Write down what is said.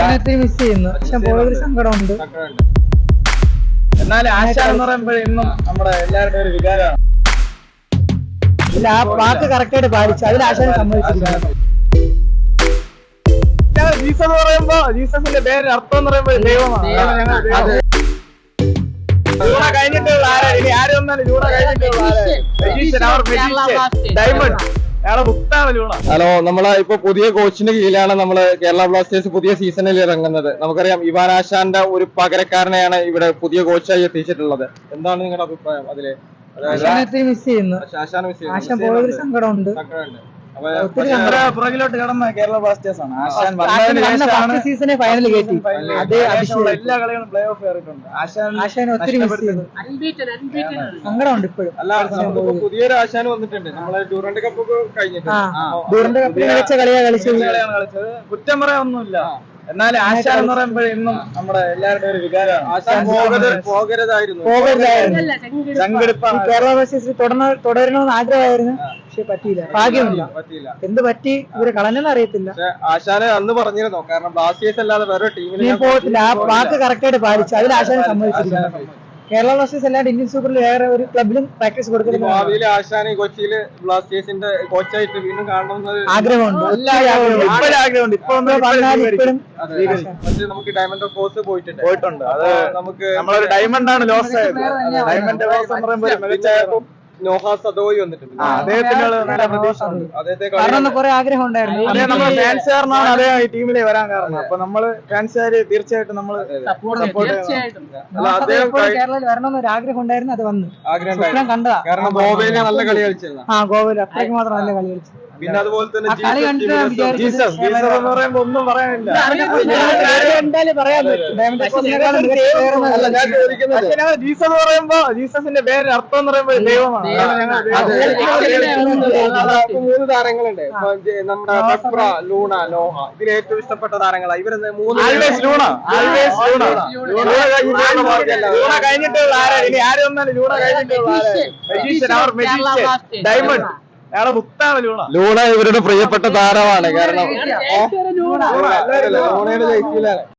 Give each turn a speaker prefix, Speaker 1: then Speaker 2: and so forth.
Speaker 1: ആശാനത്തിൽ miss ചെയ്യുന്നു. പക്ഷെ പോയൊരു സങ്കടമുണ്ട്.
Speaker 2: എന്നാൽ ആശാൻ എന്ന് പറയുമ്പോൾ ഇന്നും നമ്മുടെ എല്ലാവരുടെയും ഒരു വികാരമാണ്.
Speaker 1: ഇല്ല, ആ വാക്ക് കറക്റ്റായിട്ട് പാലിച്ചു. അതിൽ ആശാൻ സമ്മതിച്ചിരിക്കുന്നു.
Speaker 2: ജീസസ് എന്ന് പറയുമ്പോ ജീസസിന്റെ പേര് അർത്ഥം എന്ന് പറയുമ്പോൾ ദൈവമാണ്. ജൂണ കഴിഞ്ഞിട്ടുള്ള ആരാ? ഇനി ആര് വന്നാലും ജൂണ കഴിഞ്ഞിട്ടുള്ള ഡയമണ്ട്.
Speaker 3: ഹലോ, നമ്മളെ ഇപ്പൊ പുതിയ കോച്ചിന്റെ കീഴിലാണ് നമ്മള് കേരള ബ്ലാസ്റ്റേഴ്സ് പുതിയ സീസണിൽ ഇറങ്ങുന്നത്. നമുക്കറിയാം ഇവാൻ ആശാന്റെ ഒരു പകരക്കാരനെയാണ് ഇവിടെ പുതിയ കോച്ചായി എത്തിച്ചിട്ടുള്ളത്. എന്താണ് നിങ്ങളുടെ അഭിപ്രായം അതില്?
Speaker 1: ആശാനത്തിൽ മിസ് ചെയ്യുന്നു. ആശാൻ പോയൊരു സങ്കടമുണ്ട്.
Speaker 2: പുറകിലോട്ട് കടന്ന കേരള ബ്ലാസ്റ്റേഴ്സ് ആണ്.
Speaker 1: ആശാൻ സീസണെ ഫൈനൽ കയറ്റി.
Speaker 2: എല്ലാ കളികളും പ്ലേ ഓഫ് കയറിയിട്ടുണ്ട്.
Speaker 1: ആശാൻ ഒത്തിരി മിസ് ചെയ്യുന്നു. സങ്കടമുണ്ട് ഇപ്പോഴും.
Speaker 3: അല്ല, പുതിയൊരു ആശാൻ വന്നിട്ടുണ്ട്. നമ്മളെ ഡ്യൂറന്റ് കപ്പ് കഴിഞ്ഞിട്ട്
Speaker 1: ഡ്യൂറന്റ് കപ്പിൽ മികച്ച കളിയാണ് കളിച്ചത്.
Speaker 2: കുറ്റം പറയാനൊന്നുമില്ല. എന്നാൽ ആശാൻ എന്ന് പറയുമ്പോൾ ഇന്നും നമ്മുടെ എല്ലാവരുടെയും ഒരു വികാരമാണ്.
Speaker 3: ആശാൻ പോകരുതായിരുന്നു.
Speaker 1: കേരള ബ്ലാസ്റ്റേഴ്സിൽ തുടരണമെന്ന് ആഗ്രഹമായിരുന്നു. പക്ഷെ പറ്റിയില്ല, ഭാഗ്യമില്ല. എന്ത് പറ്റി ഇവര് കളഞ്ഞെന്ന് അറിയത്തില്ല.
Speaker 3: ആശാന് അന്ന് പറഞ്ഞിരുന്നോ? കാരണം ബ്ലാസ്റ്റേഴ്സ് അല്ലാതെ വേറെ ടീമിൽ
Speaker 1: ഞാൻ പോകത്തില്ല. ആ വാക്ക് കറക്റ്റായിട്ട് പാലിച്ചു. അതിൽ ആശാൻ സമ്മതിച്ചിരിക്കുന്നു. കേരള ബ്ലാസ്റ്റേഴ്സ് അല്ലാണ്ട് ഇന്ത്യൻ സൂപ്പറിൽ വേറെ ഒരു ക്ലബിലും പ്രാക്ടീസ് കൊടുക്കുന്നത്.
Speaker 3: ഭാവിയിൽ ആശാന് കൊച്ചിയില് ബ്ലാസ്റ്റേഴ്സിന്റെ കോച്ചായിട്ട് വീണ്ടും കാണണമെന്ന്
Speaker 1: ആഗ്രഹമുണ്ട്.
Speaker 2: ആഗ്രഹമുണ്ട്. ഇപ്പൊ
Speaker 3: നമുക്ക് ഡയമണ്ട് ഓഫ് കോഴ്സ്
Speaker 2: പോയിട്ടുണ്ട്. അത് നമുക്ക് നമ്മളൊരു ഡയമണ്ട് ആണ് ലോസ് ആയത്. ഡയമണ്ട് ലോസ് എന്ന് പറയുമ്പോൾ
Speaker 3: നോഹ സദോയി വന്നിട്ടുണ്ട്.
Speaker 2: അദ്ദേഹത്തിനുള്ള നല്ല പ്രതീക്ഷ ഉണ്ട്.
Speaker 1: കാരണം കുറെ ആഗ്രഹം ഉണ്ടായിരുന്നു.
Speaker 2: അതേ നമ്മൾ ഫാൻസുകാരനാണ് അദ്ദേഹം ഈ ടീമിലെ വരാൻ കാരണം. അപ്പൊ നമ്മള് ഫാൻസുകാര് തീർച്ചയായിട്ടും നമ്മൾ
Speaker 1: കേരളത്തിൽ വരണമെന്നൊരു ആഗ്രഹം ഉണ്ടായിരുന്നു. അത് വന്നു.
Speaker 3: ആഗ്രഹം
Speaker 1: കണ്ടതാ.
Speaker 3: കാരണം ഗോവയിലെ നല്ല കളി കളിച്ചിരുന്നു.
Speaker 1: ഗോവയിൽ അത്രയ്ക്ക് മാത്രം നല്ല കളി കളിച്ചു.
Speaker 3: പിന്നെ അതുപോലെ തന്നെ
Speaker 2: ജീസസ് എന്ന് പറയുമ്പോ ഒന്നും പറയാനില്ല.
Speaker 1: എന്തായാലും പറയാൻ പറ്റും.
Speaker 2: ജീസസ് എന്ന് പറയുമ്പോ ജീസസിന്റെ പേര് അർത്ഥം എന്ന് പറയുമ്പോൾ ദൈവമാണ്.
Speaker 3: 3 താരങ്ങളുണ്ട്. നമ്മുടെ പെപ്ര, ലൂണ, നോഹ. ഇതിൽ ഏറ്റവും ഇഷ്ടപ്പെട്ട താരങ്ങളാണ് ഇവര് 3.
Speaker 2: ലൂണ കഴിഞ്ഞിട്ടുള്ള ആരാ? ഇനി ആര് വന്നാലും ലൂണ കഴിഞ്ഞിട്ടുള്ള ഡയമണ്ട്.
Speaker 3: ലൂണ ഇവരുടെ പ്രിയപ്പെട്ട താരമാണ്. കാരണം ലൂണയുടെ ജയിക്കില്ലാണ്.